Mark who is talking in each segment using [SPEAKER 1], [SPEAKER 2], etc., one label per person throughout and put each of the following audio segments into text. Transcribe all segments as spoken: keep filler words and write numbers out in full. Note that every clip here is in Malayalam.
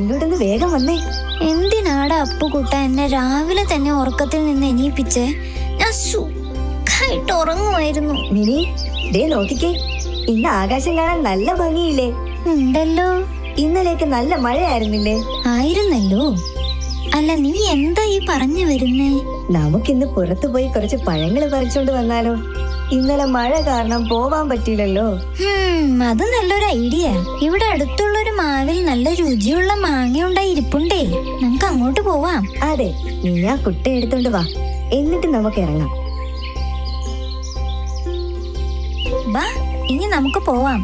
[SPEAKER 1] ഇങ്ങോട്ടൊന്ന് വേഗം വന്നേ.
[SPEAKER 2] എന്തിനാടാ അപ്പുകുട്ട എന്നെ രാവിലെ തന്നെ ഉറക്കത്തിൽ നിന്ന് എണീപ്പിച്ച്? ഞാൻ സുഖായിട്ട് ഉറങ്ങുമായിരുന്നു.
[SPEAKER 1] മിനി, ദേ നോക്കിക്കേ, ഇന്ന് ആകാശം കാണാൻ നല്ല ഭംഗിയില്ലേ?
[SPEAKER 2] ഉണ്ടല്ലോ.
[SPEAKER 1] ഇന്നലെയൊക്കെ നല്ല മഴയായിരുന്നില്ലേ?
[SPEAKER 2] ആയിരുന്നല്ലോ. അല്ല, നീ എന്താ ഈ പറഞ്ഞു വരുന്നേ?
[SPEAKER 1] നമുക്കിന്ന് പുറത്തു പോയി കുറച്ച് പഴങ്ങൾ പറിച്ചോണ്ട് വന്നാലോ? ഇന്നലെ മഴ കാരണം പോവാൻ പറ്റിയില്ലല്ലോ.
[SPEAKER 2] അത് നല്ലൊരു ഐഡിയ. ഇവിടെ അടുത്തുള്ളൊരു മാവിൽ നല്ല രുചിയുള്ള മാങ്ങ ഉണ്ടായി ഇരിപ്പുണ്ടേ. നമുക്ക് അങ്ങോട്ട് പോവാം.
[SPEAKER 1] അതെ, നീ ആ കുട്ട എടുത്തോണ്ട് വാ, എന്നിട്ട് നമുക്ക് ഇറങ്ങാം.
[SPEAKER 2] ബാ, ഇനി നമുക്ക് പോവാം.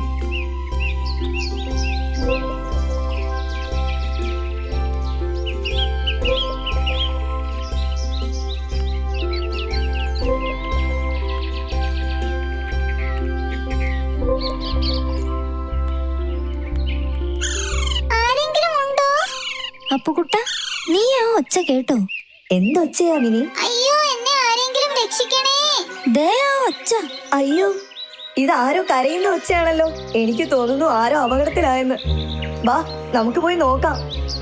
[SPEAKER 2] അപ്പുകുട്ട, നീ ആ ഒച്ച കേട്ടോ?
[SPEAKER 1] എന്തൊച്ചയാ മിനി?
[SPEAKER 2] അയ്യോ, എന്നെ ആരെങ്കിലും രക്ഷിക്കണേ. ദേ ആ ഒച്ച.
[SPEAKER 1] അയ്യോ, ഇതാരോ കരയുന്ന ഒച്ചയാണല്ലോ. എനിക്ക് തോന്നുന്നു ആരോ അപകടത്തിലായെന്ന്. വാ, നമുക്ക് പോയി നോക്കാം.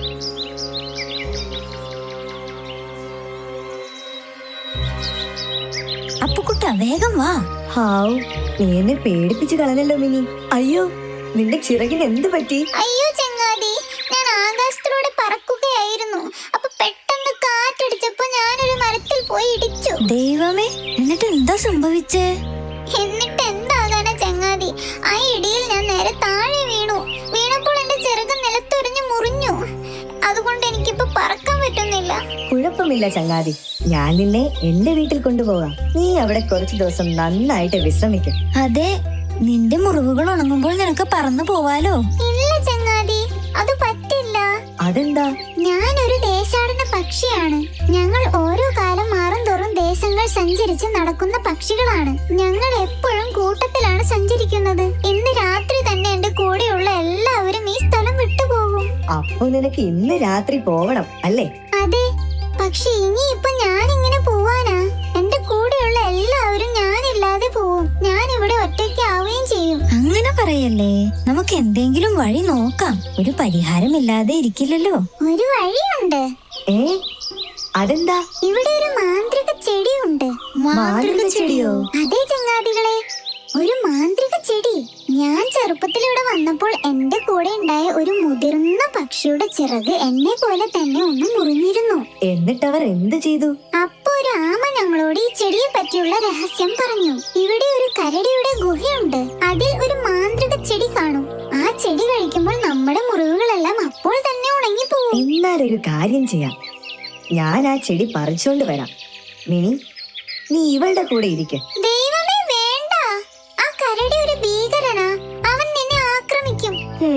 [SPEAKER 2] അപ്പുകുട്ട, വേഗം വാ.
[SPEAKER 1] ഹാവ്, നീ എന്നെ പേടിപ്പിച്ച് കളഞ്ഞല്ലോ മിനി. അയ്യോ, നിന്റെ ചിറകിന് എന്ത് പറ്റി?
[SPEAKER 2] അയ്യോ ചങ്ങാതി, ഞാൻ ആകാശത്തിലൂടെ പറക്കുകയായിരുന്നു. അപ്പൊ പെട്ടെന്ന് കാറ്റടിച്ചപ്പോ ഞാനൊരു മരത്തിൽ പോയി ഇടിച്ചു. ദൈവമേ, എന്നിട്ട് എന്താ സംഭവിച്ചേ? എന്നിട്ട് എന്താകാനാ ചങ്ങാതി, ആ ഇടിയിൽ ഞാൻ നേരെ താഴെ വീണു. വീണപ്പോൾ എന്റെ ചിറക് നിലത്തൊരിഞ്ഞു മുറിഞ്ഞു. അതുകൊണ്ട് എനിക്കിപ്പോ പറക്കാൻ പറ്റുന്നില്ല.
[SPEAKER 1] കുഴപ്പമില്ല ചങ്ങാതി, ഞാൻ നിന്നെ എന്റെ വീട്ടിൽ കൊണ്ടുപോകാം. നീ അവിടെ കുറച്ചു ദിവസം നന്നായിട്ട് വിശ്രമിക്കും.
[SPEAKER 2] അതെ, നിന്റെ മുറിവുകൾ ഉണങ്ങുമ്പോൾ നിനക്ക് പറന്നു പോവാലോ. ഇല്ല ചങ്ങാതി, അത് പറ്റില്ല.
[SPEAKER 1] അതെന്താ?
[SPEAKER 2] ഞാനൊരു ദേശാടന പക്ഷിയാണ്. ഞങ്ങൾ ഓരോ കാലം മാറും തോറും ദേശങ്ങൾ സഞ്ചരിച്ച് നടക്കുന്ന പക്ഷികളാണ്. ഞങ്ങൾ എപ്പോഴും കൂട്ടത്തിലാണ് സഞ്ചരിക്കുന്നത്. ഇന്ന് രാത്രി തന്നെ എന്റെ കൂടെയുള്ള എല്ലാവരും ഈ സ്ഥലം വിട്ടുപോകും.
[SPEAKER 1] അപ്പൊ നിനക്ക് ഇന്ന് രാത്രി പോകണം അല്ലേ?
[SPEAKER 2] അതെ, പക്ഷെ ഇനിയിപ്പൊ ഞാൻ ഇങ്ങനെ പോവാനാ? എന്റെ കൂടെയുള്ള എല്ലാവരും ഞാനില്ലാതെ പോവും. ഞാൻ ഇവിടെ ഒറ്റയ്ക്കാവുകയും ചെയ്യും. അങ്ങനെ പറയല്ലേ, നമുക്ക് എന്തെങ്കിലും വഴി നോക്കാം. ഒരു പരിഹാരമില്ലാതെ ഇരിക്കില്ലല്ലോ. ഒരു വഴിയുണ്ട്.
[SPEAKER 1] ഏ, അതെന്താ?
[SPEAKER 2] ഇവിടെ ഒരു മാന്ത്രിക ചെടിയുണ്ട്.
[SPEAKER 1] മാന്ത്രിക ചെടിയോ?
[SPEAKER 2] അതെ ചങ്ങാതികളെ, ഒരു മാന്ത്രിക ചെടി. ഞാൻ ചെറുപ്പത്തിൽ ഇവിടെ വന്നപ്പോൾ എന്റെ കൂടെ ഉണ്ടായ ഒരു മുതിർന്ന പക്ഷിയുടെ ചിറക് എന്നെ പോലെ തന്നെ ഒന്ന് മുറിഞ്ഞിരുന്നു.
[SPEAKER 1] എന്നിട്ടവർ എന്ത് ചെയ്തു?
[SPEAKER 2] അപ്പൊ ഒരു ആമ ഞങ്ങളോട് ഈ ചെടിയെ പറ്റിയുള്ള രഹസ്യം പറഞ്ഞു. ഇവിടെ ഒരു കരടിയുടെ ഗുഹയുണ്ട്. അതിൽ ഒരു മാന്ത്രിക ചെടി കാണും. ആ ചെടി കഴിക്കുമ്പോൾ നമ്മുടെ മുറിവുകളെല്ലാം അപ്പോൾ തന്നെ ഉണങ്ങി പോകും.
[SPEAKER 1] എന്നാലൊരു കാര്യം ചെയ്യാം, ഞാൻ ആ ചെടി പറിച്ചോണ്ട് വരാം. മിനി, നീ ഇവളുടെ കൂടെ ഇരിക്ക.
[SPEAKER 2] ദൈവമേ, വേണ്ട. ആ കരടി ഒരു ഭീകരനാ. അവൻ നിന്നെ ആക്രമിക്കും.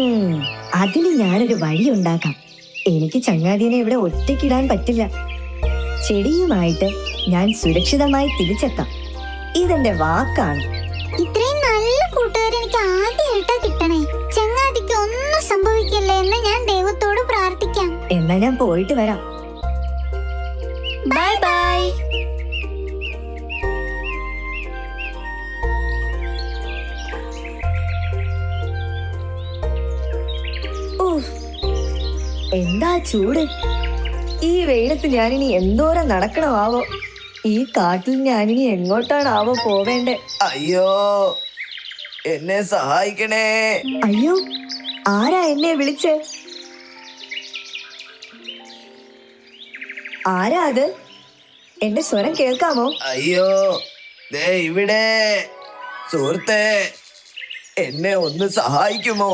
[SPEAKER 1] അതിന് ഞാനൊരു വഴി ഉണ്ടാക്കാം. എനിക്ക് ചങ്ങാതിനെ ഇവിടെ ഒറ്റയ്ക്കിടാൻ പറ്റില്ല. ചെടിയുമായിട്ട് ഞാൻ സുരക്ഷിതമായി തിരിച്ചെത്താം. ഇതെന്റെ വാക്കാണ്.
[SPEAKER 2] ഇത്രയും നല്ല കൂട്ടുകാർ എനിക്ക് ആദ്യമായിട്ടാ കിട്ടണേ. ചങ്ങാതിക്ക് ഒന്നും സംഭവിക്കില്ലേ എന്ന് ഞാൻ ദൈവത്തോട് പ്രാർത്ഥിക്കാം.
[SPEAKER 1] എന്നാ ഞാൻ പോയിട്ട് വരാം.
[SPEAKER 2] Bye bye.
[SPEAKER 1] എന്താ ചൂട്! ഈ വെയിലത്ത് ഞാനിനി എന്തോരം നടക്കണമാവോ? ഈ കാട്ടിൽ ഞാനിനി എങ്ങോട്ടാണാവോ പോവേണ്ടേ?
[SPEAKER 3] അയ്യോ, എന്നെ സഹായിക്കണേ.
[SPEAKER 1] അയ്യോ, ആരാ എന്നെ വിളിച്ചേ? ആരാ അത്? എന്റെ സ്വരം കേൾക്കാമോ?
[SPEAKER 3] അയ്യോ, ദേ ഇവിടെ. സുഹൃത്തേ, എന്നെ ഒന്ന് സഹായിക്കുമോ?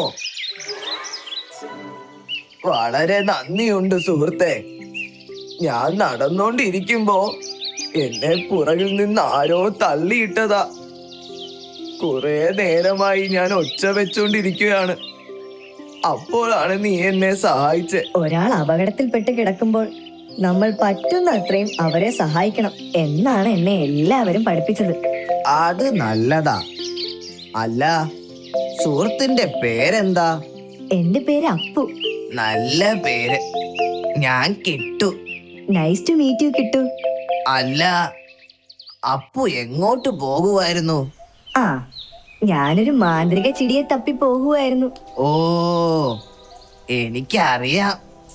[SPEAKER 3] വളരെ നന്ദിയുണ്ട് സുഹൃത്തേ. ഞാൻ നടന്നോണ്ടിരിക്കുമ്പോ എന്നെ പുറകിൽ നിന്ന് ആരോ തള്ളിയിട്ടതാ. കുറെ നേരമായി ഞാൻ ഒച്ച വെച്ചോണ്ടിരിക്കുകയാണ്. അപ്പോഴാണ് നീ എന്നെ സഹായിച്ചേ.
[SPEAKER 1] ഒരാൾ അപകടത്തിൽപ്പെട്ട് കിടക്കുമ്പോൾ നമ്മൾ പറ്റുന്ന അത്രയും അവരെ സഹായിക്കണം എന്നാണ് എന്നെ എല്ലാവരും പഠിപ്പിച്ചത്.
[SPEAKER 3] അത് നല്ലതാ. അല്ല, സുഹൃത്തിന്റെ പേരെന്താ?
[SPEAKER 1] എന്റെ പേര് അപ്പു.
[SPEAKER 3] നല്ല പേര്. ഞാൻ കിട്ടു.
[SPEAKER 1] നൈസ് ടു മീറ്റ് യു കിട്ടു.
[SPEAKER 3] അല്ല, അപ്പു എങ്ങോട്ട് പോകുമായിരുന്നു?
[SPEAKER 1] ആ, ഞാനൊരു മാന്ത്രിക ചെടിയെ തപ്പി പോകുമായിരുന്നു.
[SPEAKER 3] ഓ, എനിക്കറിയാം.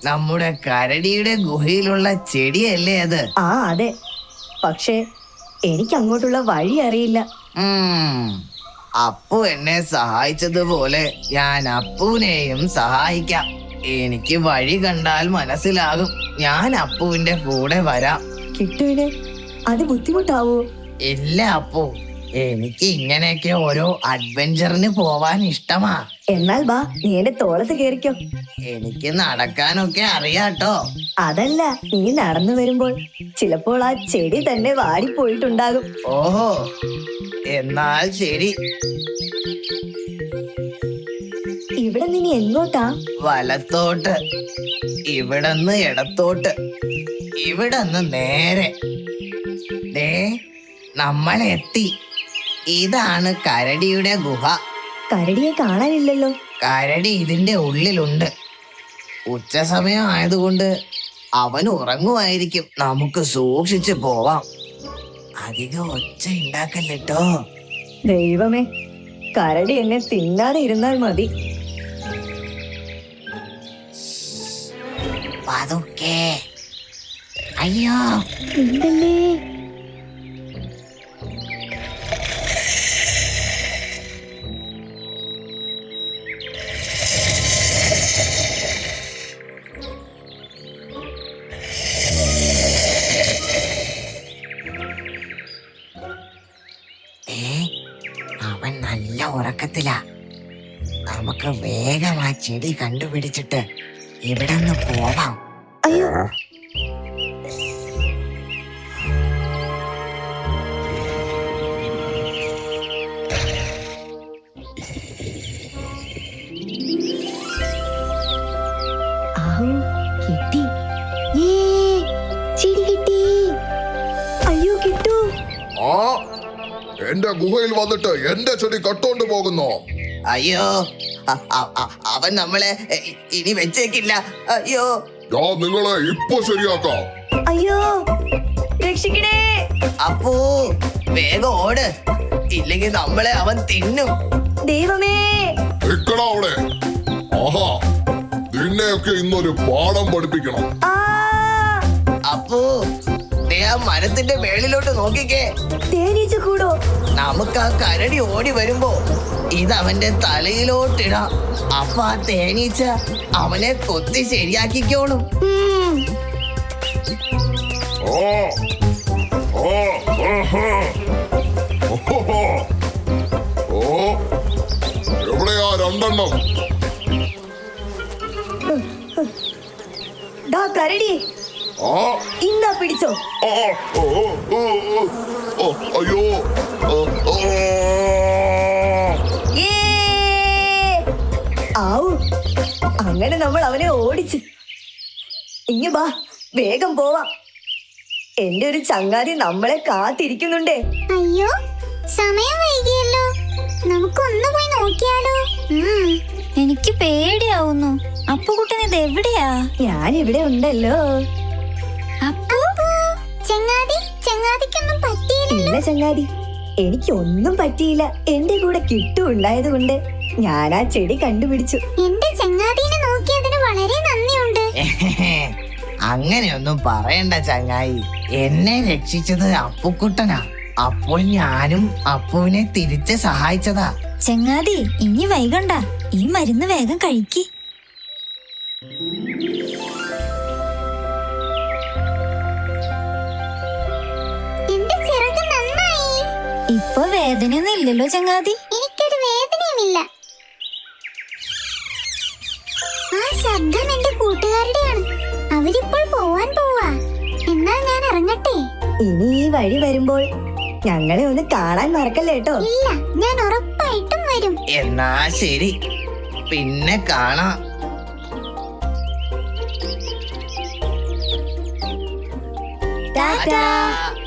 [SPEAKER 3] നമ്മുടെ കരടിയുടെ ഗുഹയിലുള്ള ചെടിയല്ലേ അത്?
[SPEAKER 1] ആ അതെ, പക്ഷേ എനിക്ക് അങ്ങോട്ടുള്ള വഴി അറിയില്ല.
[SPEAKER 3] ഉം. അപ്പു എന്നെ സഹായിച്ചതുപോലെ ഞാൻ അപ്പുവിനെയും സഹായിക്കാം. എനിക്ക് വഴി കണ്ടാൽ മനസ്സിലാകും. ഞാൻ അപ്പുവിന്റെ കൂടെ വരാം.
[SPEAKER 1] കിട്ടുവിന് അത് ബുദ്ധിമുട്ടാവോ?
[SPEAKER 3] ഇല്ല അപ്പു, എനിക്ക് ഇങ്ങനെയൊക്കെ ഓരോ അഡ്വഞ്ചറിന് പോവാൻ ഇഷ്ടമാ.
[SPEAKER 1] എന്നാൽ ബാ, നീ എന്റെ തോളത്ത് കേറിക്കോ.
[SPEAKER 3] എനിക്ക് നടക്കാനൊക്കെ അറിയാട്ടോ.
[SPEAKER 1] അതല്ല, നീ നടന്നു വരുമ്പോൾ ചിലപ്പോൾ ആ ചെടി തന്നെ വാടിപ്പോയിട്ടുണ്ടാകും.
[SPEAKER 3] ഓഹോ, എന്നാൽ ശരി.
[SPEAKER 1] ഇവിടെ നീ എങ്ങോട്ടാ?
[SPEAKER 3] വലത്തോട്ട്, ഇവിടന്ന് ഇടത്തോട്ട്, ഇവിടന്ന് നേരെ. ദേ, നമ്മൾ എത്തി. ഇതാണ് കരടിയുടെ ഗുഹ.
[SPEAKER 1] കരടിയെ കാണാനില്ലല്ലോ.
[SPEAKER 3] കരടി ഇതിന്റെ ഉള്ളിലുണ്ട്. ഉച്ച സമയം ആയതുകൊണ്ട് അവൻ ഉറങ്ങുമായിരിക്കും. നമുക്ക് സൂക്ഷിച്ചു പോവാം. അധികം ഒച്ച ഉണ്ടാക്കല്ലോ.
[SPEAKER 1] ദൈവമേ, കരടി എന്നെ തിന്നാതെ ഇരുന്നാൽ മതി.
[SPEAKER 3] പതുക്കെ. അയ്യോ,
[SPEAKER 1] ഉണ്ടല്ലേ.
[SPEAKER 3] അവൻ നല്ല ഉറക്കത്തിലാ. നമുക്ക് വേഗം ആ ചെടി കണ്ടുപിടിച്ചിട്ട് ഇവിടെ നിന്ന് പോവാം.
[SPEAKER 1] അയ്യോ, ആവൂ, കിട്ടി. ഏ, ചെടി കിട്ടി. അയ്യോ കിട്ടു.
[SPEAKER 4] ആ എന്റെ ഗുഹയിൽ വന്നിട്ട് എന്റെ ചെടി കട്ടോണ്ട് പോകുന്നു.
[SPEAKER 3] അയ്യോ, അ- അ- അ- അവൻ നമ്മളെ ഇ- ഇനി വെച്ചേക്കില്ല. അയ്യോ,
[SPEAKER 4] ഞാൻ നിങ്ങളെ ഇപ്പൊ ശരിയാക്കാം.
[SPEAKER 1] അയ്യോ, രക്ഷിക്കണേ.
[SPEAKER 3] അപ്പൂ, വേഗം ഓട്, ഇല്ലെങ്കിൽ നമ്മളെ അവൻ തിന്നും.
[SPEAKER 1] ദൈവമേ.
[SPEAKER 4] നിക്കടാ അവിടെ. ആഹാ, നിന്നെയൊക്കെ ഇന്നൊരു പാഠം പഠിപ്പിക്കണം.
[SPEAKER 1] ആ,
[SPEAKER 3] അപ്പൂ, ദേ ആ മരത്തിന്റെ മേളിലോട്ട് നോക്കിക്കേ.
[SPEAKER 1] തേനീച്ച കൂടോ?
[SPEAKER 3] നമുക്ക് ആ കരടി ഓടി വരുമ്പോ ഇത് അവന്റെ തലയിലോട്ടിടാം. അപ്പൊ ആ തേനീച്ച അവനെ കൊത്തി ശരിയാക്കിക്കോളും.
[SPEAKER 1] ഉം.
[SPEAKER 4] ആ, ആ, ആഹാ. ഓഹോഹോ. ഓ, എവിടെയാ രണ്ടെണ്ണം?
[SPEAKER 1] ദാ കരടി,
[SPEAKER 4] ആ,
[SPEAKER 1] ഇന്നാ പിടിച്ചോ.
[SPEAKER 4] ആ, ഓ, ഓ, ഓ, ഓ, അയ്യോ. ആ, ആ.
[SPEAKER 1] ഏ! ആവൂ, അങ്ങനെ നമ്മൾ അവനെ ഓടിച്ച്. ഇങ്ങ് ബാ, വേഗം പോവാം. എന്റെ ഒരു ചങ്ങാതി നമ്മളെ കാത്തിരിക്കുന്നുണ്ടേ.
[SPEAKER 2] അയ്യോ, സമയം വൈകിയല്ലോ. നമുക്കൊന്ന് പോയി നോക്കിയാലോ? ഉം, എനിക്ക് പേടിയാവുന്നു. അപ്പുകുട്ടൻ ഇത് എവിടെയാ?
[SPEAKER 1] ഞാൻ ഇവിടെ ഉണ്ടല്ലോ.
[SPEAKER 2] അപ്പു, ചങ്ങാതി, ചങ്ങാതിക്കൊന്നും പറ്റിയില്ല.
[SPEAKER 1] ഇല്ല ചങ്ങാതി, എനിക്കൊന്നും പറ്റിയില്ല. എന്റെ കൂടെ കിട്ടു ഉണ്ടായത് കൊണ്ട് ഞാൻ ആ ചെടി കണ്ടുപിടിച്ചു.
[SPEAKER 2] എന്റെ ചങ്ങാതിനെ നോക്കിയതിന് വളരെ നന്ദിയുണ്ട്.
[SPEAKER 3] അങ്ങനെയൊന്നും പറയണ്ട ചങ്ങായി. എന്നെ രക്ഷിച്ചത് അപ്പുക്കുട്ടനാ. അപ്പോൾ ഞാനും അപ്പുവിനെ തിരിച്ച് സഹായിച്ചതാ.
[SPEAKER 2] ചങ്ങാതി, ഇനി വൈകണ്ട. ഈ മരുന്ന് വേഗം കഴിക്ക്. എന്റെ ചിറക് നന്നായി. ഇപ്പൊ വേദനയൊന്നും ഇല്ലല്ലോ ചങ്ങാതി? എനിക്കൊരു വേദനയുമില്ല. ആ ശബ്ദം എന്റെ കൂട്ടുകാരുടെയാണ്. അവരിപ്പോൾ പോവാൻ പോവാ. എന്നാൽ ഞാൻ ഇറങ്ങട്ടെ.
[SPEAKER 1] ഇനി ഈ വഴി വരുമ്പോൾ ഞങ്ങളെ ഒന്ന് കാണാൻ മറക്കല്ലേ കേട്ടോ.
[SPEAKER 2] ഇല്ല, ഞാൻ ഉറപ്പായിട്ടും വരും.
[SPEAKER 3] എന്നാ ശരി, പിന്നെ കാണാം.
[SPEAKER 1] ടാറ്റാ.
[SPEAKER 3] ടാറ്റാ.